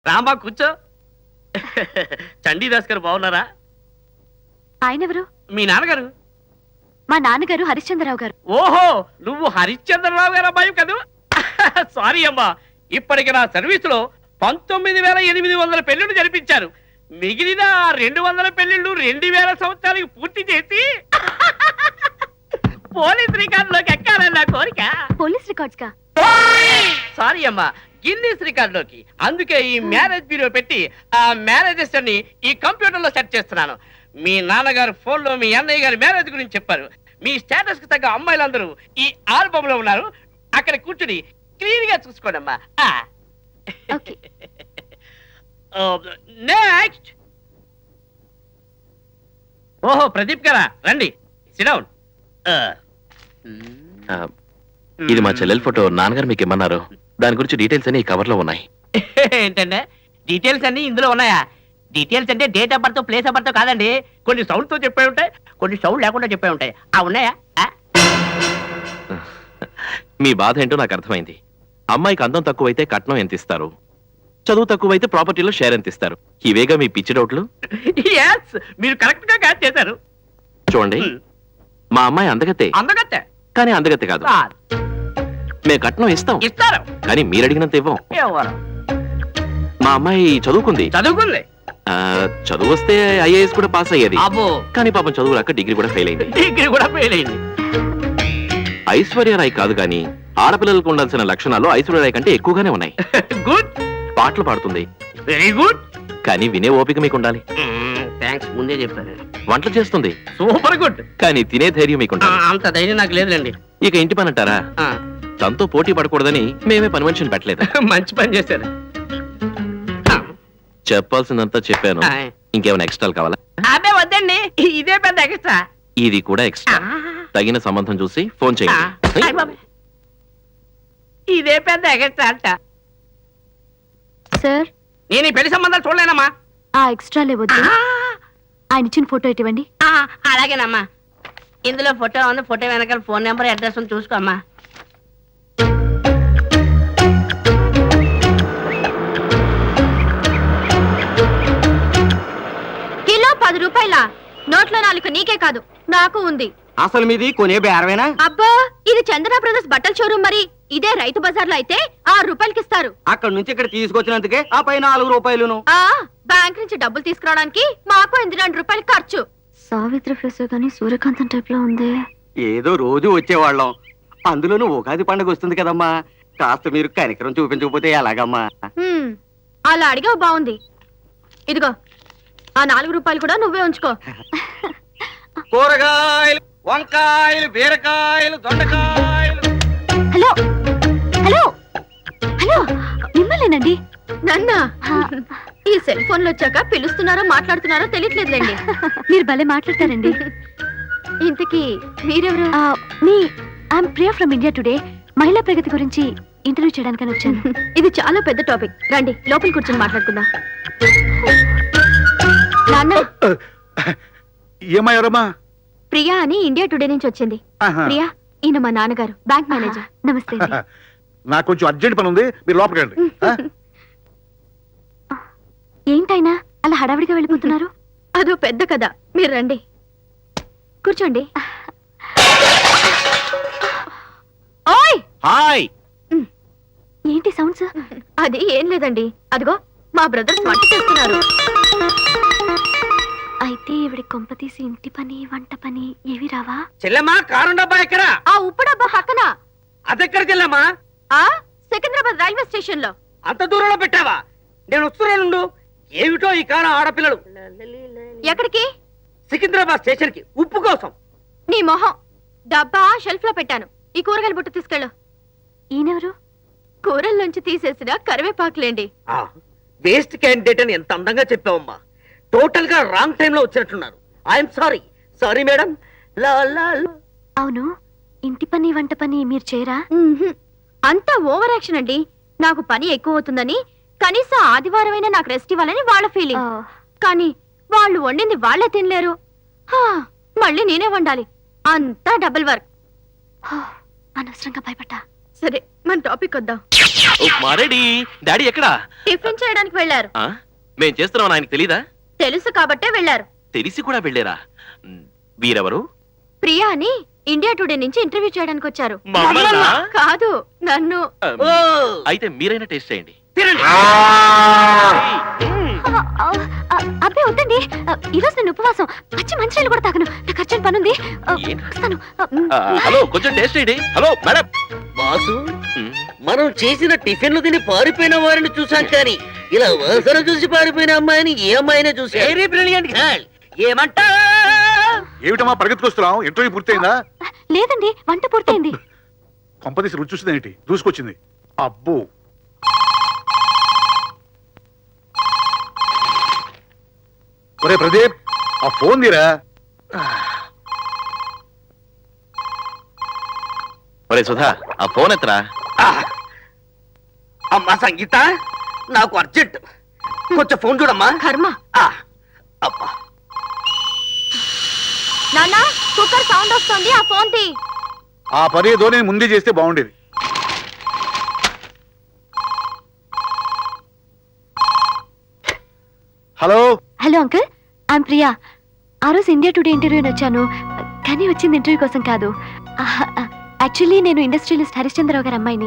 రామా కూర్చో. చండీదాస్ గారు బాగున్నారా? ఆయన ఎవరు? మీ నాన్నగారు. మా నాన్నగారు హరిశ్చంద్రరావు గారు. ఓహో, నువ్వు హరిశ్చంద్రరావు గారు అబ్బాయి కదూ? సారీ అమ్మా, ఇప్పటికి నా సర్వీసులో 19,800 పెళ్లిళ్ళు జరిపించారు. మిగిలిన 200 పెళ్లిళ్ళు 2000 సంవత్సరాలకు పూర్తి చేసి పోలీస్ రికార్డులోకి ఎక్కాలని నా కోరిక. పోలీస్ రికార్డ్స్ కా? సారీ అమ్మా, గిన్నీస్ రికార్డులోకి. అందుకే ఈ మ్యారేజ్ బ్యూరో పెట్టి ఆ మ్యారేజెస్ అన్ని ఈ కంప్యూటర్ లో సెట్ చేస్తున్నాను. మీ నాన్నగారు ఫోన్ లో మీ అన్నయ్య గారి మ్యారేజ్ గురించి చెప్పారు. మీ స్టేటస్ కి తగ్గ అమ్మాయిలందరూ ఈ ఆల్బమ్ లో ఉన్నారు. అక్కడ కూర్చుని క్లీన్ గా చూసుకోండమ్మా. నెక్స్ట్. ఓహో, ప్రదీప్ గారా, రండి, సిట్ డౌన్. ఇది మా చెల్లెల ఫోటో. నాన్నగారు మీకు ఇమ్మన్నారు. దాని గురించి డీటెయిల్స్ అన్ని ఈ కవర్ లో ఉన్నాయి. ఏంటంటే డీటెయిల్స్ అన్ని ఇందులో ఉన్నాయా? డీటెయిల్స్ అంటే date of birth, place of birth కాదండి. కొన్ని సౌండ్ తో చెప్పే ఉంటాయి, కొన్ని సౌండ్ లేకుండా చెప్పే ఉంటాయి. ఉన్నాయా? మీ బాధ ఏంటో నాకు అర్థమైంది. అమ్మాయికి అందం తక్కువైతే కట్నం ఎంత ఇస్తారు, చదువు తక్కువైతే ప్రాపర్టీలో షేర్ ఎంత ఇస్తారు? ఇవేగా మీ పిచ్చి డౌట్లు. yes, మీరు కరెక్ట్ గా క్యాచ్ చేశారు. చూడండి, మా అమ్మాయి అందగతే, అందగత్తే కానీ అందగతే కాదు. మేము కట్నం ఇస్తాం, ఇస్తారు, కానీ మీరు అడిగినంత ఇవ్వం. ఎవరు? మా అమ్మాయి చదువుకుంది. చదువుకుంది. చదువు వస్తే ఐఏఎస్ కూడా పాస్ అయ్యేది. అబ్బో, కానీ పాపం చదువు రాక డిగ్రీ కూడా ఫెయిల్ అయింది. డిగ్రీ కూడా ఫెయిల్ అయింది. ఐశ్వర్యరాయ్ కాదు, కానీ ఆడపిల్లలకు ఉండాల్సిన లక్షణాలు ఐశ్వర్యరాయ్ కంటే ఎక్కువగానే ఉన్నాయి. గుడ్. పాటలు పాడుతుంది. Very good. కానీ వినే ఓపిక మీకు ఉండాలి. థ్యాంక్స్, ముందే చెప్పారు. వంటలు చేస్తుంది. Super good. కానీ తినే ధైర్యం మీకు ఉండాలి. అంత ధైర్యం నాకు లేదులేండి. ఇక ఇంటి పని అంటారా? తనతో పోటీ పడకూడదని మేమే పని మనిషిని పెట్టలేదు. మంచి పని చేశారు. చెప్పాల్సిందంతా చెప్పాను. ఇంకేమైనా ఎక్స్ట్రాలు కావాలా? అదే వద్దండి, ఇదే పెద్ద ఎక్స్ట్రా. ఇది కూడా ఎక్స్ట్రా. తగిన సంబంధం చూసి ఫోన్ చేయండి. ఇదే పెద్ద ఎక్స్ట్రా అంట. సార్, నేను ఈ పెళ్లి సంబంధాలు చూడలేనమ్మా. ఆ ఎక్స్ట్రాలే వద్దు. ఆయన ఇచ్చిన ఫోటో ఇవ్వండి. అలాగేనమ్మా. ఇందులో ఫోటో ఉంది, ఫోటో వెనకాల ఫోన్ నెంబర్, అడ్రస్ ఉంది, చూసుకోమ్మా. కిలో 10 రూపాయల నోట్లో 4 నీకే కాదు, నాకు ఉంది. అసలు మీది కొనే బేరమేనా? అబ్బా, ఇది చందన బ్రదర్స్ బట్టల షోరూమ్. మరి ఇదే రైతు బజార్లో అయితే 6 రూపాయలకి ఇస్తారు. అక్కడ నుంచి ఇక్కడ తీసుకొచ్చినందుకే ఆ పై 4 రూపాయలును. బ్యాంక్ నుంచి డబ్బులు తీసుకురావడానికి మాకు 2 రూపాయలు ఖర్చు. సావిత్రి ఫేస్ కానీ సూర్యకాంతం టైప్ లో ఉంది. ఏదో రోజు వచ్చేవాళ్ళం, అందులోనూ ఉగాది పండుగ వస్తుంది కదమ్మా. కాస్త మీరు కనికరం చూపించకపోతే ఎలాగమ్మా? అలా అడిగావు, బాగుంది. ఇదిగో ఆ 4 రూపాయలు కూడా నువ్వే ఉంచుకో. కూరగాయలు, వంకాయలు, బీరకాయలు, దొండకాయలు. హలో హలో హలో, మిమ్మల్నేనండి. నన్నా? ఈ సెల్ ఫోన్లు వచ్చాక పిలుస్తున్నారో మాట్లాడుతున్నారో తెలియట్లేదులేండి. మీరు భలే మాట్లాడతారండి. ఇంతకీ మీరెవరు? మీ I'm Priya from India Today. మహిళా ప్రగతి గురించి ఇంటర్వ్యూ చేయడానికని వచ్చాను. ఇది చాలా పెద్ద టాపిక్, రండి లోపల కూర్చొని మాట్లాడుకుందాం. నాన్న, ఏమయ్యారమ్మా? ప్రియా అని ఇండియా టుడే నుంచి వచ్చింది. ప్రియా, ఈయన మా నాన్నగారు, బ్యాంక్ మేనేజర్. నమస్తే. నాకు కొంచెం అర్జెంట్ పని ఉంది, మీరు లోపలికి రండి. ఏంటైనా అలా హడావిడిగా వెళ్ళిపోతున్నారు? అదో పెద్ద కథ, మీరు రండి కూర్చోండి. ఓయ్, హాయ్. ఏంటి సౌండ్స్? అది ఏం లేదండి, అదిగో మా బ్రదర్స్ వంట చేస్తున్నారు. అయితే ఇవిడి కొంప తీసి ఇంటి పని వంట పని ఏవి రావా? చెల్లెమ్మా, కారు డబ్బా ఎక్కడా? ఆ ఉప్పు డబ్బా పక్కన. అదెక్కడ చెల్లెమ్మా? సికింద్రాబాద్ రైల్వే స్టేషన్ లో. అంత దూరంలో పెట్టావా? నేను వస్తున్నానుండు. ఏమిటో ఈ కాలం ఆడపిల్లలు. ఎక్కడికి? సికింద్రాబాద్ స్టేషన్ కి, ఉప్పు కోసం. నీ మొహం. డబ్బా షెల్ఫ్ లో పెట్టాను. ఈ కూరగాయల బుట్ట తీసుకెళ్ళు. ఈయనెవరు? కూరల్లోంచి తీసేసిన కరివేపాకులేండి. వేస్ట్ క్యాండిడేట్ అని ఎంత అందంగా చెప్పావమ్మా. టోటల్ గా రాంగ్ టైం లో వచ్చినట్టున్నారు. I'm sorry. Sorry madam. అవును, ఇంటి పని వంట పని మీరు చేయరా? అంతా ఓవర్ యాక్షన్ అండి. నాకు పని ఎక్కువ అవుతుందని కనీసం ఆదివారమైనా నాకు రెస్ట్ ఇవ్వాలని వాళ్ళ ఫీలింగ్. కానీ వాళ్ళు వండింది వాళ్లే తినలేరు. మళ్ళీ నేనే వండాలి. అంతా డబుల్ వర్క్. అనవసరంగా భయపడ్డా. సరే, మన టాపిక్ వద్దాం. మారేడి డాడీ ఎక్కడా టిఫిన్ చేయడానికి వెళ్ళారు. ఆ? మేం చేస్తున్నాం ఆయనకి తెలీదా? తెలుసు కాబట్టే వెళ్ళారు. తెలిసి కూడా వెళ్ళారా? వీరెవరు? ప్రియా అని ఇండియా టుడే నుంచి ఇంటర్వ్యూ చేయడానికి వచ్చారు. మమ్మల్నా? కాదు, నన్ను. అయితే మీరైనా టేస్ట్ చేయండి. అబ్బే వద్దండి, ఈరోజు నేను ఉపవాసం. పచ్చి మంచినీళ్ళు కూడా తాగను. నాకు అర్జెంట్ పని ఉంది. వస్తాను. హలో కొంచెం టేస్ట్ చేయండి. Hello madam. బాసు, మనం చేసిన టిఫిన్లు తిని పారిపోయిన వారిని చూసాం కానీ ఇలా వరుసను చూసి పారిపోయిన అమ్మాయిని ఏ అమ్మాయినే చూసి వెరీ బ్రిలియంట్ గర్ల్. ఏమంటా? ఏమిటమ్మా పరిగెత్తుకొస్తున్నావు? ఇంటర్వ్యూ పూర్తయిందా? లేదండి, వంట పూర్తయింది. కొంపదీసి రుచి చూసింది ఏంటి? దూసుకొచ్చింది. అబ్బో, ఒరే ప్రదీప్, ఆ ఫోన్ తీరా. ఒరే సుధా, ఆ ఫోన్ ఎత్తరా. అమ్మా సంగీత, నాకు అర్జెంట్, కొంచెం ఫోన్ చూడమ్మా. కర్మ. అబ్బా, నాన్న, కుక్కర్ సౌండ్ వస్తుంది, ఆ ఫోన్ తీ. ఆ పని ఏదో నేను ముందే చేస్తే బాగుండేది. Hello hello uncle, I'm Priya. ఆ రోజు ఇండియా టుడే ఇంటర్వ్యూని వచ్చాను, కానీ వచ్చింది ఇంటర్వ్యూ కోసం కాదు. యాక్చువల్లీ నేను ఇండస్ట్రియలిస్ట్ హరిశ్చంద్రరావు గారి అమ్మాయిని.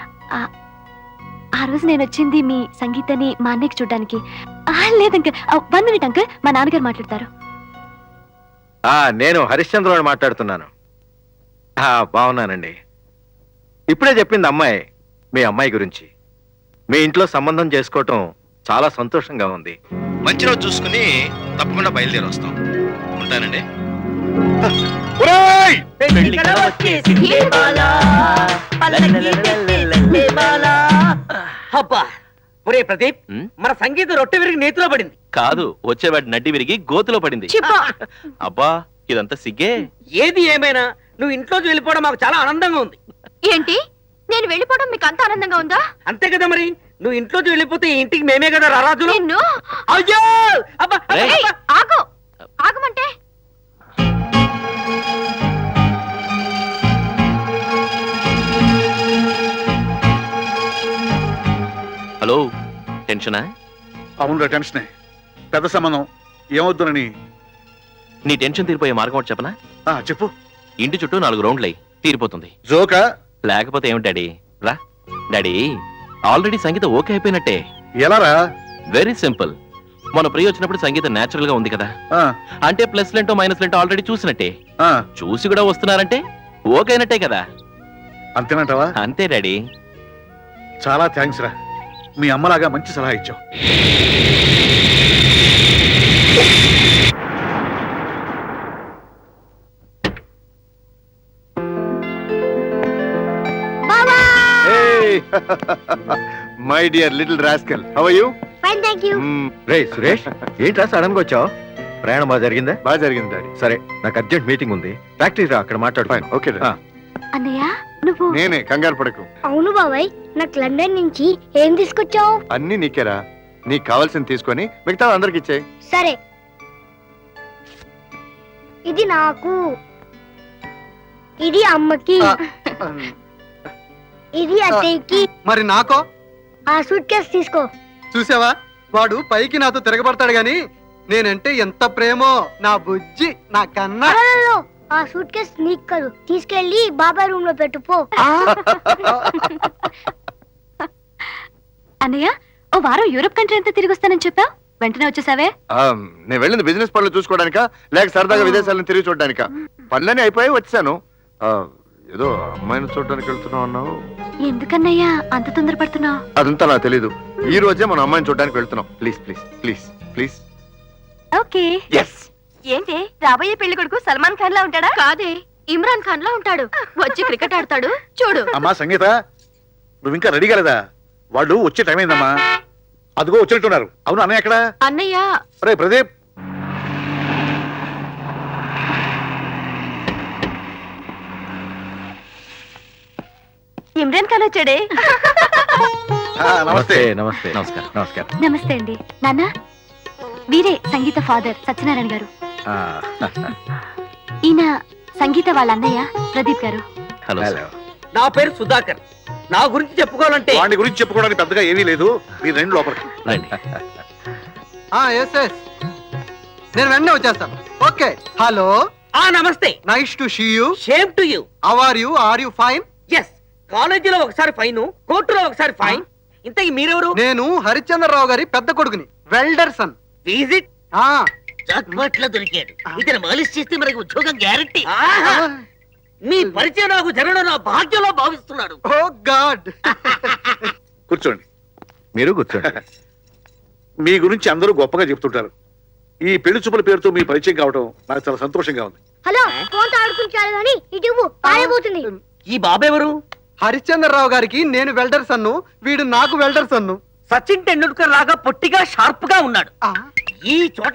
ఆ రోజు నేను వచ్చింది మీ సంగీతని మా అన్నయ్యకి చూడడానికి. లేదు అంకుల్, 1 minute అంకుల్, మా నాన్నగారు మాట్లాడతారు. నేను హరిశ్చంద్రరావు మాట్లాడుతున్నాను. బాగున్నానండి. ఇప్పుడే చెప్పింది అమ్మాయి మీ అమ్మాయి గురించి. మీ ఇంట్లో సంబంధం చేసుకోవటం చాలా సంతోషంగా ఉంది. మంచి రోజు చూసుకుని తప్పకుండా బయలుదేరి వస్తాం. ఉంటానండి. ఒరేయ్! అబ్బా, ఒరే ప్రదీప్, ఉమ్? మన సంగీత రొట్టె విరిగి నేతిలో పడింది. కాదు, వచ్చేవాడి నడ్డి విరిగి గోతులో పడింది. అబ్బా, ఇదంతా సిగ్గే. ఏది ఏమైనా నువ్వు ఇంట్లోకి వెళ్ళిపోవడం మాకు చాలా ఆనందంగా ఉంది. ఏంటి, నేను వెళ్ళిపోవడం మీకు అంత ఆనందంగా ఉందా? అంతే కదా మరి, నువ్వు ఇంట్లోకి వెళ్ళిపోతే ఈ ఇంటికి మేమే కదా రారాజులు. నిన్ను. అయ్యో అబ్బా, అబ్బా, రేయ్. అబ్బా. ఆగు, ఆగమంటే. హలో, టెన్షనా? అవునురా, టెన్షనే. పెద్ద సంబంధం ఏమవుతుందని. నీ టెన్షన్ తీరిపోయే మార్గం ఒకటి చెప్పనా? చెప్పు. ఇంటి చుట్టూ 4 రౌండ్లు అయ్యి తీరిపోతుంది. జోకా? లేకపోతే ఏమిటి డాడీ? రా డాడీ, ఆల్రెడీ సంగీత ఓకే అయిపోయినట్టే. ఎలారా? Very simple. మన ప్రియ వచ్చినప్పుడు సంగీతం నేచురల్ గా ఉంది కదా, ఆ, అంటే ప్లస్ లెంటో మైనస్ లెంటో ఆల్రెడీ చూసినట్టే. ఆ, చూసి కూడా వస్తున్నారంటే ఓకే అయినట్టే కదా. అంతేనంటావా? అంతే డాడీ. చాలా థ్యాంక్స్ రా, మీ అమ్మలాగా మంచి సలహా ఇచ్చావు. My dear little rascal, how are you? Fine, thank you. రే సురేష్, ఏంట్రా సడన్ గా వచ్చావు? ప్రయాణం బాగా జరిగిందా? బాగా జరిగింది డాడీ. సరే, నాకు అర్జెంట్ మీటింగ్ ఉంది, ఫ్యాక్టరీ రా, అక్కడ మాట్లాడు. ఓకే. అన్నయ్య, నువ్వు. నేనే, కంగారు పడకు. అవును బాబాయ్, నాకు లండన్ నుంచి ఏం తీసుకొచ్చావు? అన్ని నీకేరా, నీకు కావాల్సింది తీసుకొని మిగతా అందరికి ఇచ్చే. సరే, ఇది నాకు, ఇది అమ్మకి, ఇది అత్తయ్యకి. మరి నాకో? ఆ సూట్ కేసు తీసుకో. చూసావా, వాడు పైకి నాతో తిరగబడతాడు గాని నేనంటే ఎంత ప్రేమో నా బుజ్జి, నా కన్నా. అరరరో, ఆ సూట్ కేసు నీకు కాదు, తీసుకెళ్లి బాబాయ్ రూమ్ లో పెట్టుపో. అన్నయ్య, ఓ వారం యూరోప్ కంట్రీ అంతా తిరిగి వస్తానని చెప్పావు, వెంటనే వచ్చేసావే? నేను వెళ్ళింది బిజినెస్ పనులు చూసుకోవడానికా, లేక సరదాగా విదేశాలను తిరిగి చూడడానికా? పనులన్నీ అయిపోయి వచ్చాను. ఏదో అమ్మాయిని చూడడానికి వెళ్తున్నావు అన్నావు. ఎందుకన్నయ్యా అంత తొందరపడుతున్నావు? అదంతా నాకు తెలీదు. ఈ రోజే మనం అమ్మాయిని చూడడానికి వెళ్తున్నాం. Please please please please. Okay. ఏంటి, రాబోయే పెళ్లి కొడుకు సల్మాన్ ఖాన్ లా ఉంటాడా? కాదే, ఇమ్రాన్ ఖాన్ లా ఉంటాడు. వచ్చి క్రికెట్ ఆడతాడు, చూడు. అమ్మా సంగీత, నువ్వు ఇంకా రెడీ కాలేదా? వాళ్ళు వచ్చే టైం అయిందమ్మా. అదిగో వచ్చినట్టున్నారు. అవును, అన్నయ్య ఎక్కడ? అన్నయ్య. రే ప్రదీప్, ఇమ్రాన్ ఖాన్ వచ్చాడే. నమస్తే. నమస్తే. నమస్కారం. నమస్కారం. నమస్తే అండి. నాన్న, వీరే సంగీత ఫాదర్ సత్యనారాయణ గారు. ఈయన సంగీత వాళ్ళ అన్నయ్య ప్రదీప్ గారు. Hello hello. నా పేరు సుధాకర్. నా గురించి చెప్పుకోవాలంటే వాడి గురించి చెప్పుకోవడానికి పెద్దగా ఏమీ లేదు. మీరు రెండు లోపలికి రండి. ఎస్ ఎస్, నేను వెంటనే వచ్చేస్తాను. ఓకే, హలో, నమస్తే. Nice to see you. Same to you. How are you fine? Yes, కాలేజీలో ఒకసారి ఫైన్, కోర్టులో ఒకసారి ఫైన్. ఇంతకీ మీరెవరు? నేను హరిశ్చంద్రరావు గారి పెద్ద కొడుకుని, వెల్డర్సన్. విజిట్ ఆ, జాక్పాట్లో దొరికాడు. ఇతను మాలిష్ చేస్తే మనకి ఉద్యోగం గ్యారంటీ. మీ పరిచయం నాకు జరగడం నా భాగ్యంలో భావిస్తున్నాడు. ఓ గాడ్. కూర్చోండి. మీరు కూర్చోండి. మీ గురించి అందరూ గొప్పగా చెప్తుంటారు. ఈ పెళ్లి చూపుల పేరుతో మీ పరిచయం కావడం నాకు చాలా సంతోషంగా ఉంది. హలో, ఫోన్ తో ఆడుకుంటాడు కానీ ఇటు పారిపోతుంది. ఈ బాబెవరు? హరిశ్చంద్రరావు గారికి నేను వెల్డర్సన్ను, వీడు నాకు వెల్డర్సన్ను. సచిన్ టెండూల్కర్ లాగా పొట్టిగా షార్ప్ గా ఉన్నాడు. ఆ, ఈ చోట